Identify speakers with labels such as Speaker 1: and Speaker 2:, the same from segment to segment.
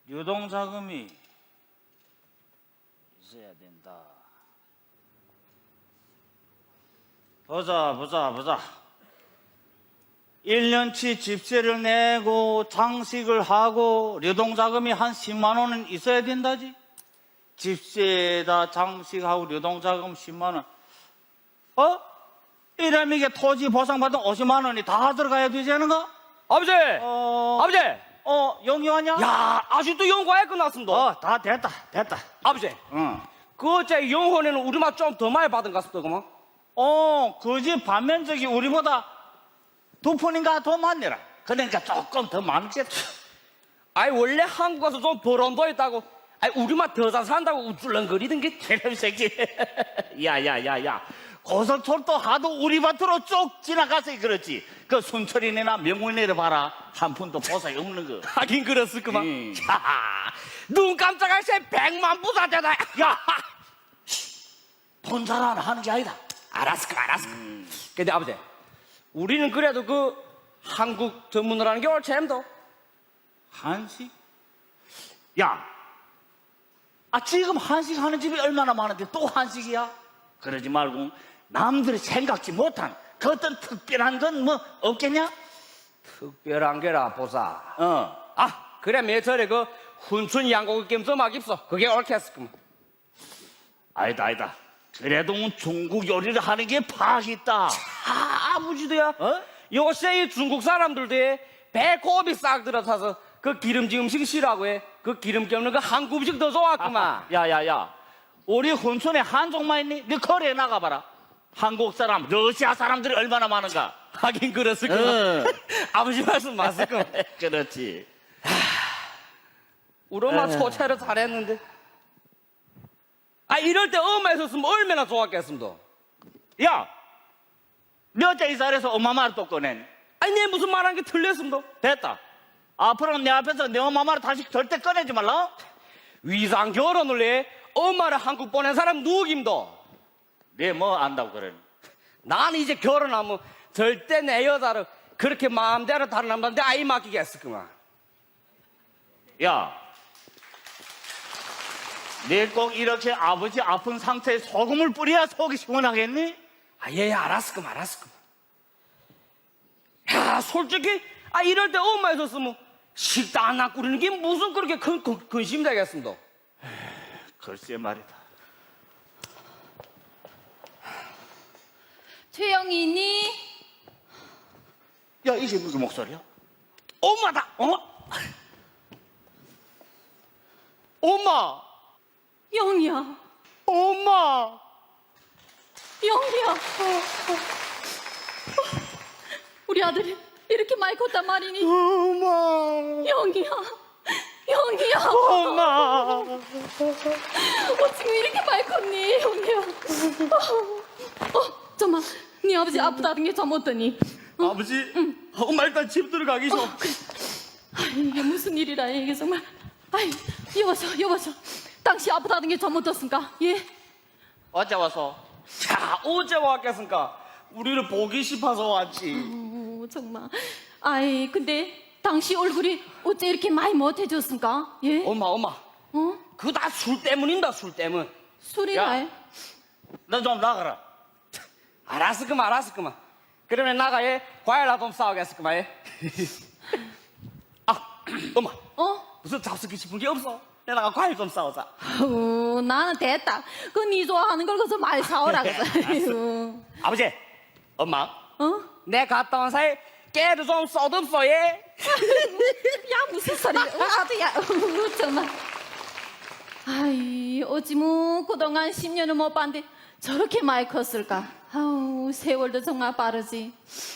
Speaker 1: 유동자금이 있어야 된다. 보자. 1년치 집세를 내고 장식을 하고 유동자금이 한 10만 원은 있어야 된다지. 집세에다 장식하고 유동자금 10만 원. 이러면 이게 토지 보상받은 50만 원이 다 들어가야 되지 않은가?
Speaker 2: 아버지! 아버지!
Speaker 1: 영희 왔냐?
Speaker 2: 야, 아직도 연구하에 끝났습니다.
Speaker 1: 다 됐다.
Speaker 2: 아버지,
Speaker 1: 응.
Speaker 2: 그 어째 영혼에는 우리만 좀 더 많이 받은 것 같습니다, 그만.
Speaker 1: 그 집 반면적이 우리보다 2푼인가 더 많네라. 그러니까 조금 더 많겠다.
Speaker 2: 아이, 원래 한국 가서 좀 벌은 도 있다고. 아이, 우리만 더 잘 산다고 우쭐렁거리던 게.
Speaker 1: 이런 새끼. 야. 고속철도 하도 우리 밭으로 쭉 지나가서 그렇지. 그 순철이네나 명문이네 봐라. 한 푼도 보상이 없는 거.
Speaker 2: 하긴 그랬을 그만.
Speaker 1: 야,
Speaker 2: 눈 깜짝할 새 100만 부자 되다.
Speaker 1: 야, 돈 자랑 하는 게 아니다.
Speaker 2: 알았어. 근데 아버지, 우리는 그래도 그 한국 전문을 하는 게 옳지엠도.
Speaker 1: 한식? 야, 지금 한식 하는 집이 얼마나 많은데 또 한식이야? 그러지 말고 남들이 생각지 못한 그 어떤 특별한 건 뭐 없겠냐?
Speaker 2: 특별한 게라 보사.
Speaker 1: 어.
Speaker 2: 그래 매절에 그 훈춘 양고기 겜 좀 하깁소. 그게 옳겠을구만.
Speaker 1: 아니다. 그래도 중국 요리를 하는 게 파악 있다.
Speaker 2: 아버지도야. 요새 이 중국 사람들도 배꼽이 싹 들어타서 그 기름진 음식 싫어하고 해. 그 기름기 없는 그 한국 음식 더 좋았구만.
Speaker 1: 야야야, 우리 혼촌에 한족만 있니? 네 거리에 나가봐라. 한국 사람, 러시아 사람들이 얼마나 많은가.
Speaker 2: 하긴 그랬을구만. 아버지 말씀 맞을구만.
Speaker 1: 그렇지.
Speaker 2: 우리 엄마 소차를 잘했는데. 이럴 때 엄마 있었으면 얼마나 좋았겠습니다.
Speaker 1: 야, 너 어째 이 자리에서 엄마 말을 또 꺼내니?
Speaker 2: 내 무슨 말한 게 틀렸습니다.
Speaker 1: 됐다. 앞으로는 내 앞에서 내 엄마 말을 다시 절대 꺼내지 말라.
Speaker 2: 위상 결혼을 해 엄마를 한국 보낸 사람 누구입니다.
Speaker 1: 네 뭐 안다고 그러니?
Speaker 2: 나는 이제 결혼하면 절대 내 여자를 그렇게 마음대로 다른 남자한테 아이 맡기겠을구만.
Speaker 1: 야, 네 꼭 이렇게 아버지 아픈 상태에 소금을 뿌려야 속이 시원하겠니?
Speaker 2: 예, 알았을구만. 야, 솔직히 이럴 때 엄마 있었으면 식당 하나 꾸리는 게 무슨 그렇게 큰 근심이 되겠습니다.
Speaker 1: 글쎄 말이다.
Speaker 3: 최영이니?
Speaker 1: 야, 이게 무슨 목소리야?
Speaker 2: 엄마다. 엄마.
Speaker 3: 영이야.
Speaker 2: 엄마.
Speaker 3: 영이야. 우리 아들이 이렇게 많이 컸단 말이니?
Speaker 2: 엄마.
Speaker 3: 영이야.
Speaker 2: 엄마.
Speaker 3: 지금 이렇게 많이 컸니? 영이야. 정말 네 아버지 아프다는 게 좀 어떠니?
Speaker 2: 아버지. 엄마 일단 집 들어가기 좀.
Speaker 3: 이게 무슨 일이라 이게 정말. 여보셔. 당시 아프다는 게 좀 어떻습니까? 예?
Speaker 1: 어제 와서?
Speaker 2: 자, 어제 왔겠습니까? 우리를 보기 싶어서 왔지.
Speaker 3: 정말. 근데 당시 얼굴이 어째 이렇게 많이 못해졌습니까? 예?
Speaker 2: 엄마. 그거 다 술 때문입니다, 술 때문.
Speaker 3: 술이나?
Speaker 1: 야. 너 좀 나가라.
Speaker 2: 알았을구만. 그러면 나가에 과일나 좀 싸우겠을구만. 엄마. 무슨 잡수기 싶은 게 없어? 내가 과일 좀 싸우자.
Speaker 3: 나는 됐다. 네 좋아하는 걸 거기서 많이 사오라 그래서.
Speaker 2: 아버지, 엄마. 내 갔다 온 사이 깨를 좀 써듬소, 예?
Speaker 3: 야, 무슨 소리야. 아들야. 정말. 어찌 그동안 10년을 못 봤는데 저렇게 많이 컸을까? 세월도 정말 빠르지.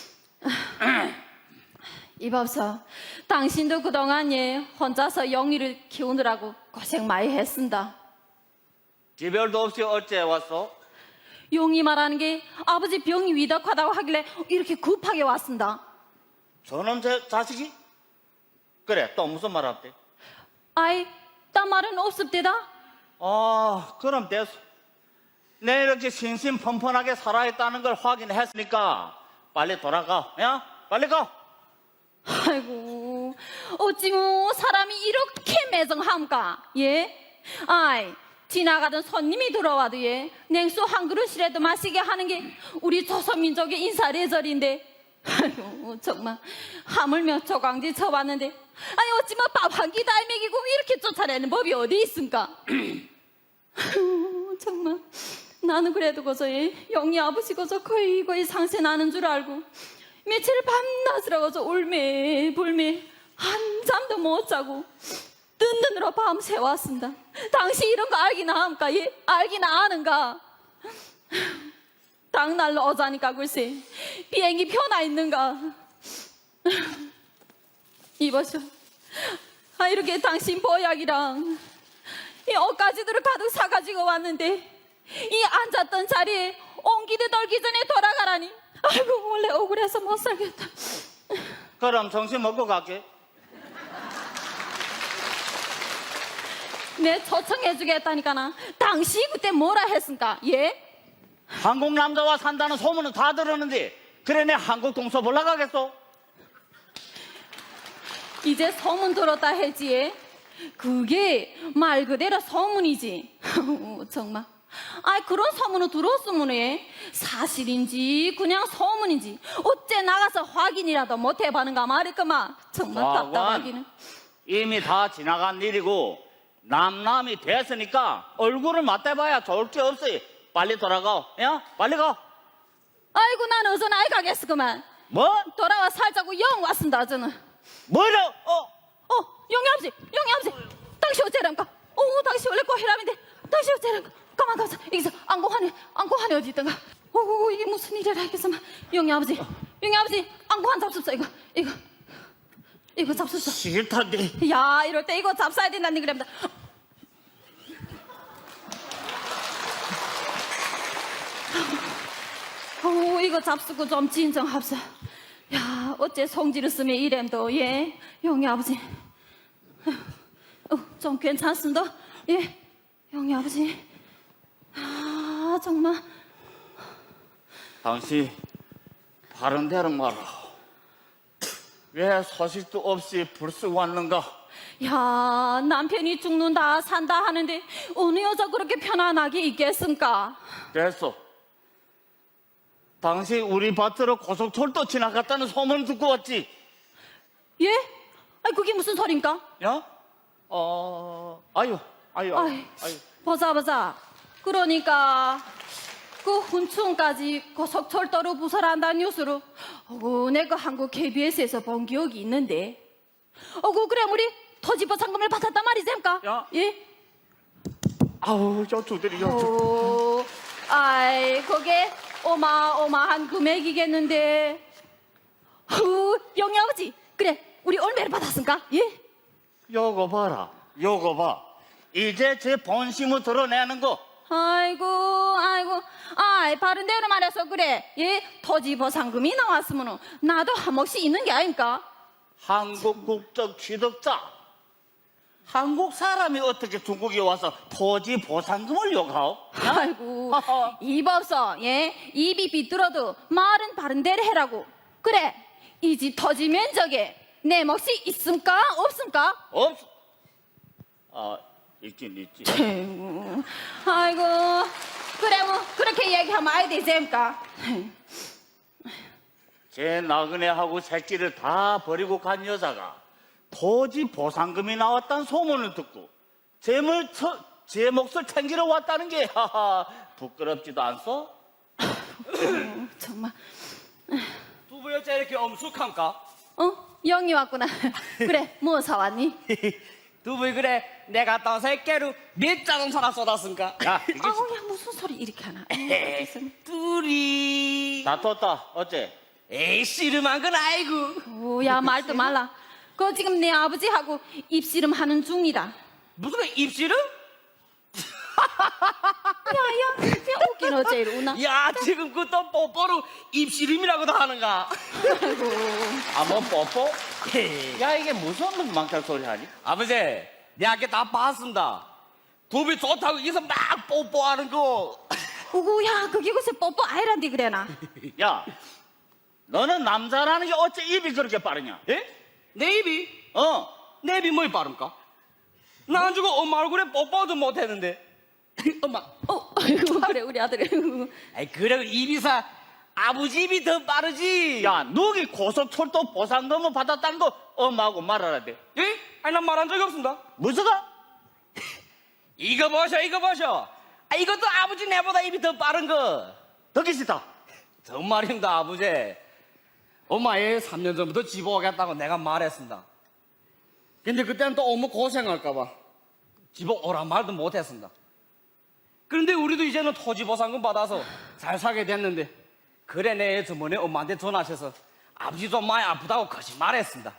Speaker 3: 이봐서 당신도 그동안 혼자서 영희를 키우느라고 고생 많이 했습니다.
Speaker 1: 지별도 없이 어째 왔어?
Speaker 3: 용이 말하는 게 아버지 병이 위독하다고 하길래 이렇게 급하게 왔습니다.
Speaker 1: 저놈 자식이? 그래, 또 무슨 말 할때?
Speaker 3: 딴 말은 없습니다.
Speaker 1: 그럼 됐어. 내 이렇게 신신펀펀하게 살아있다는 걸 확인했으니까 빨리 돌아가. 야, 빨리 가.
Speaker 3: 어찌 뭐 사람이 이렇게 매정함까? 예? 아이, 지나가던 손님이 들어와도 예, 냉수 한 그릇이라도 마시게 하는 게 우리 조선민족의 인사례절인데. 아이고 정말 하물며 조강지 쳐봤는데 아니 어찌 뭐 밥 한 끼 다 먹이고 이렇게 쫓아내는 법이 어디 있습니까? 아이고 정말 나는 그래도 거저 영희 아버지 거저 거의 상세 나는 줄 알고 며칠 밤낮으로 거저 울매 불매 한잠도 못 자고 뜬 눈으로 밤새 왔습니다. 당시 이런 거 알기나 합니까? 예? 알기나 아는가? 당날로 오자니까 글쎄 비행기 표나 있는가? 이보쇼, 아 이렇게 당신 보약이랑 이 옷가지들을 가득 사가지고 왔는데 이 앉았던 자리에 옹기도 돌기 전에 돌아가라니. 아이고 원래 억울해서 못 살겠다.
Speaker 1: 그럼 정신 먹고 갈게.
Speaker 3: 내 초청해주겠다니까나. 당시 그때 뭐라 했습니까? 예?
Speaker 1: 한국 남자와 산다는 소문은 다 들었는데 그래 내 한국 동서 보러 가겠어?
Speaker 3: 이제 소문 들었다 했지. 예? 그게 말 그대로 소문이지. 정말. 아이 그런 소문을 들었으면 예? 사실인지 그냥 소문인지 어째 나가서 확인이라도 못 해봐는가 말이구만. 정말 답답하기는.
Speaker 1: 이미 다 지나간 일이고 남남이 됐으니까 얼굴을 맞대봐야 좋을 게 없어. 빨리 돌아가. 야 빨리 가.
Speaker 3: 아이고 난 어전 아이 가겠어 그만.
Speaker 1: 뭐?
Speaker 3: 돌아와 살자고 영 왔습니다 저는.
Speaker 1: 뭐라?
Speaker 3: 영희 아버지 당신 어째랍니까? 당신 원래 꼬히람인데 당신 어째랍니까? 가만 여기서 안고환이 어디 있던가? 이게 무슨 일이라 했겠어만. 영희 아버지 안고환 잡수소. 이거 잡수소.
Speaker 1: 싫단데.
Speaker 3: 야 이럴 때 이거 잡숴야 된다니 그럽니다. 이거 잡수고 좀 진정합사. 야 어째 성질을 쓰면 이램도 예 영희 아버지. 좀 괜찮습니다. 예 영희 아버지. 아 정말.
Speaker 1: 당신 바른 대로 말아. 왜 소식도 없이 불쑥 왔는가?
Speaker 3: 야 남편이 죽는다 산다 하는데 어느 여자 그렇게 편안하게 있겠습니까?
Speaker 1: 됐어. 당신 우리 밭으로 고속철도 지나갔다는 소문 듣고 왔지?
Speaker 3: 예? 아이 그게 무슨 소린가?
Speaker 1: 야? 아유.
Speaker 3: 보자. 그러니까 그 훈충까지 고속철도로 부설한다는 뉴스로 내가 한국 KBS에서 본 기억이 있는데 그래 우리 토지보 상금을 받았단 말이zem까?
Speaker 1: 야.
Speaker 3: 예?
Speaker 1: 아우 저 두들이
Speaker 3: 아이 그게 어마어마한 금액이겠는데. 영희 아버지 그래 우리 얼마를 받았습니까? 예?
Speaker 1: 요거 봐라. 요거 봐. 이제 제 본심을 드러내는 거.
Speaker 3: 아이고 바른 대로 말해서 그래. 예? 토지 보상금이 나왔으면 나도 한 몫이 있는 게 아닙니까?
Speaker 1: 한국 국적 취득자. 한국 사람이 어떻게 중국에 와서 토지 보상금을 요구하오?
Speaker 3: 아이고 입 없어. 예? 입이 비뚤어도 말은 바른 대로 해라고. 그래 이 집 토지 면적에 내 몫이 있습니까? 없습니까?
Speaker 1: 없어. 있긴 있지.
Speaker 3: 아이고 그래 뭐 그렇게 얘기하면 아이 되셈까?
Speaker 1: 제 나그네하고 새끼를 다 버리고 간 여자가 토지 보상금이 나왔다는 소문을 듣고 제 몫을 챙기러 왔다는 게 부끄럽지도 않소?
Speaker 3: 정말.
Speaker 2: 두부 여자 이렇게 엄숙함까?
Speaker 3: 영희 왔구나. 그래 뭐 사왔니?
Speaker 2: 두부 그래 내가 갔다 온 새끼로 몇 자동차나 쏟았습니까?
Speaker 1: 야, 이게
Speaker 3: 야 무슨 소리 이렇게 하나?
Speaker 2: 둘이
Speaker 1: 다퉜다. 어째?
Speaker 2: 에이 씨름한 건 아이고.
Speaker 3: 야 말도 말라. 그거 지금 내 아버지하고 입씨름 하는 중이다.
Speaker 2: 무슨 입씨름?
Speaker 3: 야야 웃긴 어째 이리 우나?
Speaker 2: 야 지금 그또 뽀뽀로 입씨름이라고도 하는가?
Speaker 3: 아이고.
Speaker 1: 뭐 뽀뽀? 야 이게 무슨 망탈 소리 하니?
Speaker 2: 아버지 내가 아까 다 봤습니다. 두부 좋다고 여기서 막 뽀뽀하는 거.
Speaker 3: 야 그게 글쎄 뽀뽀 아이란디 그래나?
Speaker 1: 야 너는 남자라는 게 어째 입이 그렇게 빠르냐?
Speaker 2: 예? 내 입이? 내비 뭐이 빠릅니까? 나 안 주고 엄마 얼굴에 뽀뽀도 못했는데. 엄마.
Speaker 3: 아이고 그래 우리 아들.
Speaker 2: 아이 그래 입이사 아버지 입이 더 빠르지.
Speaker 1: 야, 너기 고속철도 보상금을 받았다는 거 엄마하고 말하라 돼.
Speaker 2: 예? 아니 난 말한 적이 없습니다.
Speaker 1: 무슨가?
Speaker 2: 이거 보셔. 아 이것도 아버지 내보다 입이 더 빠른 거.
Speaker 1: 듣기 싫다.
Speaker 2: 정말입니다 아버지. 엄마 얘 3년 전부터 집 오겠다고 내가 말했습니다. 근데 그때는 또 너무 고생할까봐 집 오란 말도 못했습니다. 그런데 우리도 이제는 토지 보상금 받아서 잘 살게 됐는데 그래 내 저번에 엄마한테 전화하셔서 아버지 좀 많이 아프다고 거짓말했습니다.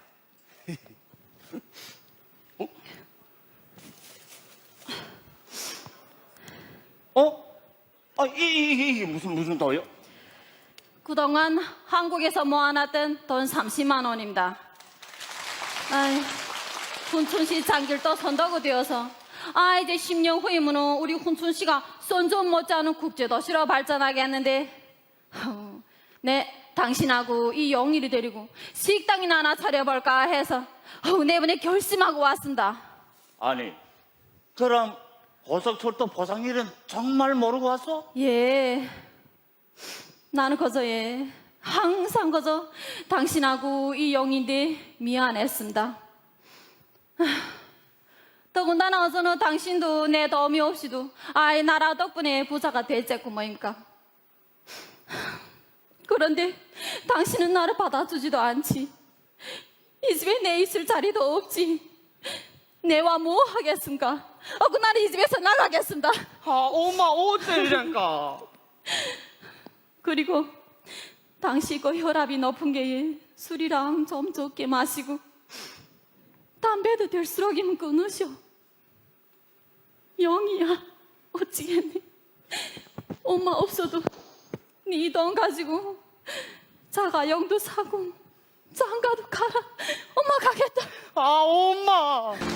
Speaker 1: 이게 무슨 도요?
Speaker 3: 그동안 한국에서 모아놨던 돈 30만 원입니다. 아이, 훈춘시 장길도 선도가 되어서 이제 10년 후이면 우리 훈춘시가 손좀 못지않은 국제도시로 발전하겠는데 네, 당신하고 이 영일이 데리고 식당이나 하나 차려볼까 해서 내번에 결심하고 왔습니다.
Speaker 1: 아니, 그럼 고속철도 보상 일은 정말 모르고 왔어?
Speaker 3: 예, 나는 그저 항상 그저 당신하고 이 영인데 미안했습니다. 더군다나 어서는 당신도 내 도움이 없이도 나라 덕분에 부자가 됐겠고 뭐입니까? 그런데 당신은 나를 받아주지도 않지. 이 집에 내 있을 자리도 없지. 내와 뭐 하겠습니까? 나는 이 집에서 나가겠습니다.
Speaker 2: 엄마 어째 이랬까?
Speaker 3: 그리고 당시 그 혈압이 높은 게 술이랑 좀 적게 마시고 담배도 될수록이면 끊으셔. 영이야 어찌겠니? 엄마 없어도 네 돈 가지고 자가용도 사고 장가도 가라. 엄마 가겠다.
Speaker 2: 엄마.